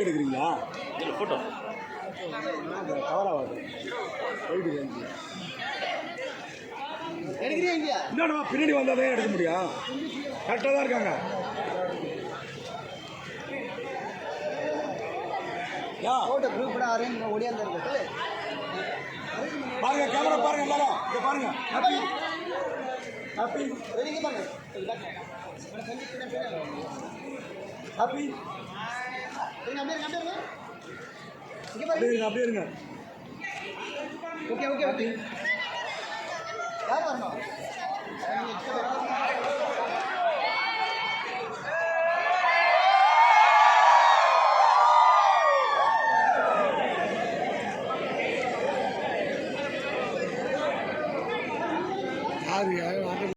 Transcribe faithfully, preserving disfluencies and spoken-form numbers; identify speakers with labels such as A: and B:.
A: எடுக்கிறீங்களா?
B: Photo
A: cover ஆகாது.
C: எடுக்கிறீங்க
A: என்னடா பின்னாடி வந்தால் தான் எடுக்க முடியும். கரெக்டாக தான் இருக்காங்க.
C: ஃபோட்டோ குரூப் கூட அரேஞ்ச் ஓடியாந்து இருக்கு.
A: பாருங்க கேமரா பாருங்க எல்லாரும் இங்க பாருங்க. ஹாப்பி ஹாப்பி
C: வெளியே பாருங்க.
A: ஹாப்பி
C: இருங்க அப்படியே அப்படியே இருங்க. இங்க
A: அப்படியே
C: பாருங்க.
A: இருங்க அப்படியே இருங்க.
C: Okay okay okay. யார் வரணும்?
A: யாரு யாரு